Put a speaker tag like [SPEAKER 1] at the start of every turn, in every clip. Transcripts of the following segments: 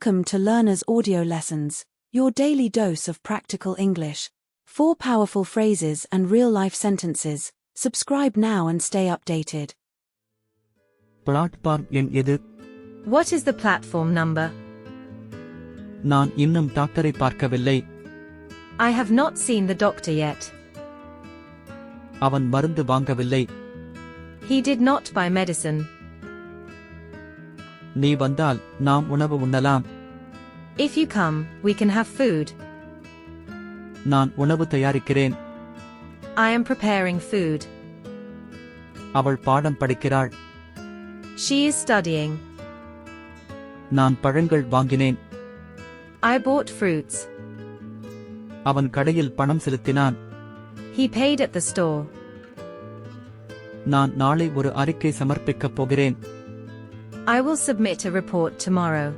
[SPEAKER 1] Welcome to Learner's Audio Lessons, your daily dose of practical English. 4 powerful phrases and real-life sentences. Subscribe now and stay updated.
[SPEAKER 2] Platform எண் எது?
[SPEAKER 3] What is the platform number?
[SPEAKER 2] நான் இன்னும் டாக்டரை பார்க்கவில்லை.
[SPEAKER 3] I have not seen the doctor yet.
[SPEAKER 2] அவன் மருந்து வாங்கவில்லை.
[SPEAKER 3] He did not buy medicine.
[SPEAKER 2] நீ வந்தால் நாம் உணவு உண்ணலாம்.
[SPEAKER 3] If you come, we can have food.
[SPEAKER 2] நான் உணவு தயாரிக்கிறேன்.
[SPEAKER 3] I am preparing food.
[SPEAKER 2] அவள் பாடம் படிக்கிறாள்.
[SPEAKER 3] She is studying.
[SPEAKER 2] நான் பழங்கள் வாங்கினேன்.
[SPEAKER 3] I bought fruits.
[SPEAKER 2] அவன் கடையில் பணம் செலுத்தினான்.
[SPEAKER 3] He paid at the store.
[SPEAKER 2] நான் நாளை ஒரு அறிக்கை சமர்ப்பிக்கப் போகிறேன்.
[SPEAKER 3] I will submit a report tomorrow.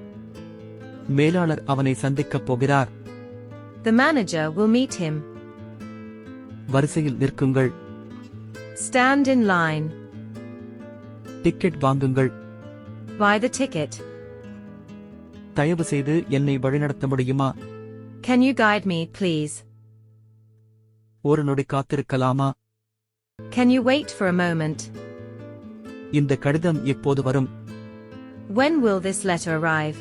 [SPEAKER 2] மேலாளர் அவனை சந்திக்கப் போகிறார்.
[SPEAKER 3] The manager will meet him.
[SPEAKER 2] வரிசையில் நிற்குங்கள்.
[SPEAKER 3] Stand in line.
[SPEAKER 2] டிக்கெட் வாங்குங்கள்.
[SPEAKER 3] Buy the ticket.
[SPEAKER 2] தயவு செய்து என்னை வழிநடத்த முடியுமா?
[SPEAKER 3] Can you guide me, please?
[SPEAKER 2] ஒரு நொடி காத்திருக்கலாமா?
[SPEAKER 3] Can you wait for a moment?
[SPEAKER 2] இந்த கடிதம் எப்போது வரும்?
[SPEAKER 3] When will this letter arrive?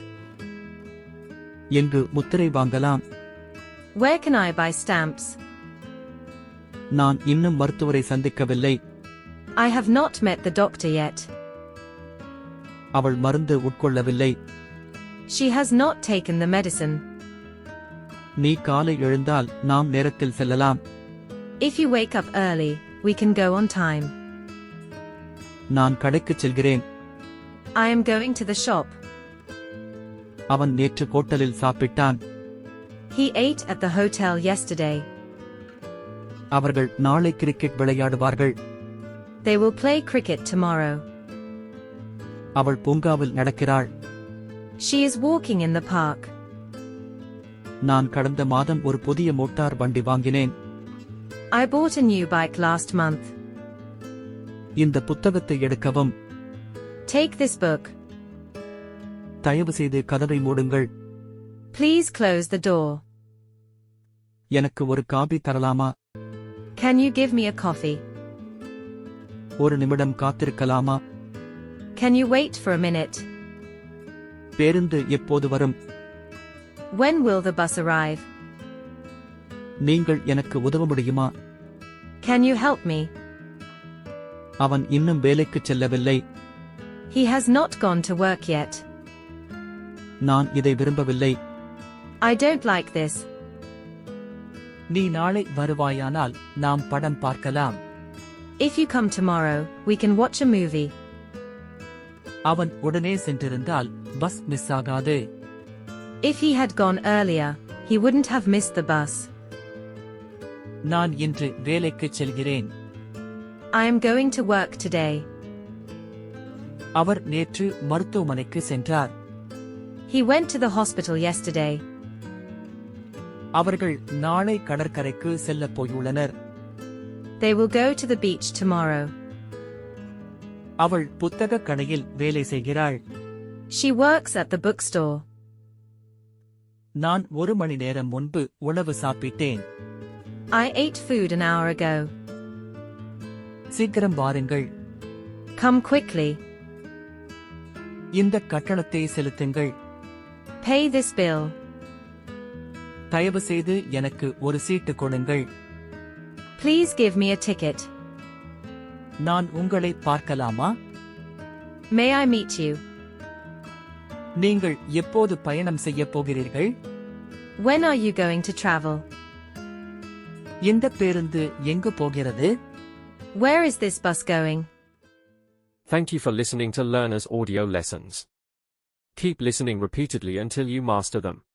[SPEAKER 2] எங்கு முத்திரை வாங்கலாம்?
[SPEAKER 3] Where can I buy stamps?
[SPEAKER 2] நான் இன்னும் மருத்துவரை சந்திக்கவில்லை.
[SPEAKER 3] I have not met the doctor yet.
[SPEAKER 2] அவள் மருந்து உட்கொள்ளவில்லை.
[SPEAKER 3] She has not taken the medicine.
[SPEAKER 2] நீ காலை எழுந்தால் நாம் நேரத்தில் செல்லலாம்.
[SPEAKER 3] If you wake up early, we can go on time.
[SPEAKER 2] நான் கடைக்குச் செல்கிறேன்.
[SPEAKER 3] I am going to the shop.
[SPEAKER 2] அவன் நேற்று ஹோட்டலில் சாப்பிட்டான்.
[SPEAKER 3] He ate at the hotel yesterday.
[SPEAKER 2] அவர்கள் நாளை கிரிக்கெட் விளையாடுவார்கள்.
[SPEAKER 3] They will play cricket tomorrow.
[SPEAKER 2] அவள் பூங்காவில் நடக்கிறாள்.
[SPEAKER 3] She is walking in the park.
[SPEAKER 2] நான் கடந்த மாதம் ஒரு புதிய மோட்டார் வண்டி வாங்கினேன்.
[SPEAKER 3] I bought a new bike last month.
[SPEAKER 2] இந்த புத்தகத்தை எடுக்கவும்.
[SPEAKER 3] Take this book.
[SPEAKER 2] தயவு செய்து கதவை மூடுங்கள்.
[SPEAKER 3] Please close the door.
[SPEAKER 2] எனக்கு ஒரு காபி தரலாமா?
[SPEAKER 3] Can you give me a coffee?
[SPEAKER 2] ஒரு நிமிடம் காத்திருக்கலாமா?
[SPEAKER 3] Can you wait for a minute?
[SPEAKER 2] பேருந்து எப்போது வரும்?
[SPEAKER 3] When will the bus arrive?
[SPEAKER 2] நீங்கள் எனக்கு உதவ முடியுமா?
[SPEAKER 3] Can you help me?
[SPEAKER 2] அவன் இன்னும் வேலைக்குச் செல்லவில்லை.
[SPEAKER 3] He has not gone to work yet.
[SPEAKER 2] நான் இதை விரும்பவில்லை.
[SPEAKER 3] I don't like this.
[SPEAKER 2] நீ நாளை வருவாயானால் நாம் படம் பார்க்கலாம்.
[SPEAKER 3] If you come tomorrow, we can watch a movie.
[SPEAKER 2] அவன் உடனே சென்றிருந்தால் பஸ் மிஸ் ஆகாது.
[SPEAKER 3] If he had gone earlier, he wouldn't have missed the bus.
[SPEAKER 2] நான் இன்று வேலைக்குச் செல்கிறேன்.
[SPEAKER 3] I am going to work today.
[SPEAKER 2] அவர் நேற்று மருத்துவமனைக்கு சென்றார்.
[SPEAKER 3] He went to the hospital yesterday.
[SPEAKER 2] அவர்கள் நாளை கடற்கரைக்கு செல்லப் போயுள்ளனர்.
[SPEAKER 3] They will go to the beach tomorrow.
[SPEAKER 2] அவள் புத்தகக் கடையில் வேலை செய்கிறாள்.
[SPEAKER 3] She works at the bookstore.
[SPEAKER 2] நான் 1 மணி நேரம் முன்பு உணவு சாப்பிட்டேன்.
[SPEAKER 3] I ate food an hour ago.
[SPEAKER 2] சீக்கிரம் வாருங்கள்.
[SPEAKER 3] Come quickly.
[SPEAKER 2] இந்த கட்டணத்தை செலுத்துங்கள்.
[SPEAKER 3] Pay this bill.
[SPEAKER 2] தயவு செய்து எனக்கு ஒரு சீட்டு கொடுங்கள்.
[SPEAKER 3] Please give me a ticket.
[SPEAKER 2] நான் உங்களை பார்க்கலாமா?
[SPEAKER 3] May I meet you?
[SPEAKER 2] நீங்கள் எப்போது பயணம் செய்யப் போகிறீர்கள்?
[SPEAKER 3] When are you going to travel?
[SPEAKER 2] இந்த பேருந்து எங்கு போகிறது?
[SPEAKER 3] Where is this bus going?
[SPEAKER 4] Thank you for listening to Learner's Audio Lessons. Keep listening repeatedly until you master them.